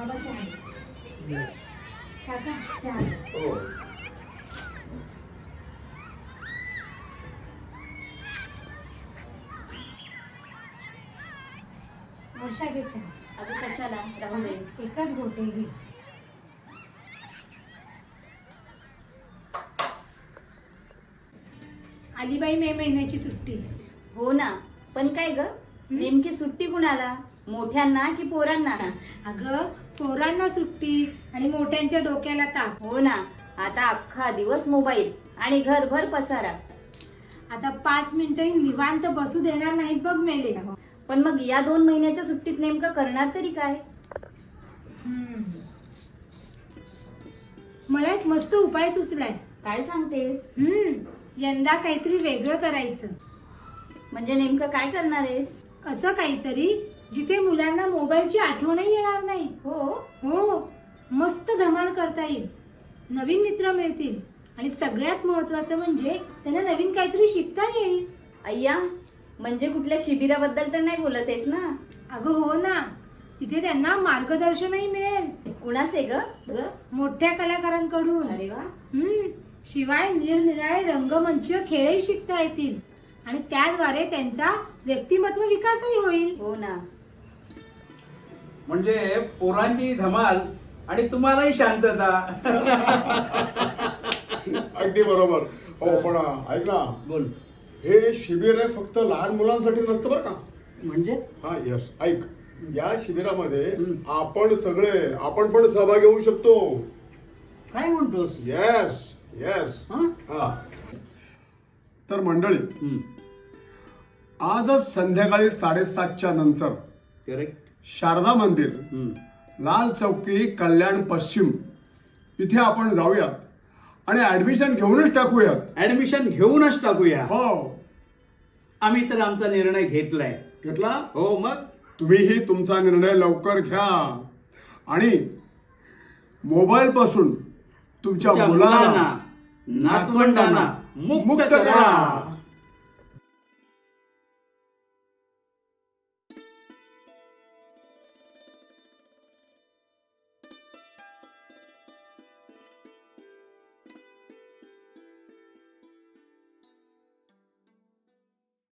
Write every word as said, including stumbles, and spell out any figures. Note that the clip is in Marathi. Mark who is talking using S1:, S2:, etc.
S1: बाबा चहा
S2: यस.
S1: काका चहा
S2: हो.
S1: वर्षा घे चहा.
S3: अगं कशाला राहू दे.
S1: एकच घोटे घे. अलीबाई मे महिन्याची सुट्टी.
S3: हो ना, पण काय ग नेमकी सुट्टी कुणाला, मोठ्यांना की पोरांना?
S1: अगं पोरांना सुट्टी आणि मोठ्यांच्या डोक्याला ताप.
S3: हो ना, आता अख्खा दिवस मोबाईल आणि घरभर पसारा.
S1: आता पाच मिनिटही निवांत बसू देणार नाहीत बघ मेले.
S3: पण मग या दोन महिन्याच्या सुट्टीत नेमकं करणार तरी काय?
S1: हम्म. मला एक मस्त उपाय सुचलाय.
S3: काय सांगतेस?
S1: हम्म यंदा काहीतरी वेगळं करायचं.
S3: म्हणजे नेमकं काय करणार आहेस?
S1: असं काहीतरी जिथे मुलांना मोबाईलची आठवणही येणार नाही.
S3: हो
S1: हो मस्त धमाल करता येईल, नवीन मित्र मिळतील आणि सगळ्यात महत्वाचं म्हणजे त्यांना नवीन काहीतरी शिकता येईल.
S3: अय्या, म्हणजे कुठल्या शिबिराबद्दल तर नाही बोलत आहेस ना?
S1: अगं हो ना, तिथे त्यांना मार्गदर्शनही मिळेल.
S3: कुणाचे ग? ग?
S1: मोठ्या कलाकारांकडून.
S3: अरे वा.
S1: हम्म शिवाय निरनिराळे रंगमंचीय खेळही शिकता येतील आणि त्याद्वारे त्यांचा व्यक्तिमत्व विकासही होईल.
S3: हो ना.
S2: म्हणजे पोरांची धमाल आणि तुम्हालाही शांतता.
S4: अगदी बरोबर. हो पण ऐक ना,
S2: बोल.
S4: हे शिबिर आहे फक्त लहान मुलांसाठी नसतं बरं का.
S2: म्हणजे
S4: हा यस, ऐक, या शिबिरामध्ये
S2: हम्म.
S4: आपण सगळे आपण पण सहभागी होऊ शकतो.
S2: काय म्हणतोस?
S4: Yes yes.
S2: हं?
S4: हा तर मंडळी,
S2: हं.
S4: आजच संध्याकाळी साडेसातच्या नंतर
S2: करेक्ट.
S4: शारदा मंदिर,
S2: हं.
S4: लाल चौकी, कल्याण पश्चिम इथे आपण जाऊयात आणि ऍडमिशन घेऊनच टाकूयात.
S2: ऍडमिशन घेऊनच टाकूया.
S4: हो.
S2: आम्ही तर आमचा निर्णय घेतलाय.
S4: घेतला?
S2: हो मग.
S4: तुम्हीही तुमचा निर्णय लवकर घ्या आणि मोबाईल पासून तुमच्या
S2: तुमच्या
S4: मुलांना
S2: मुलांना, नातवंडांना मुक्त करा.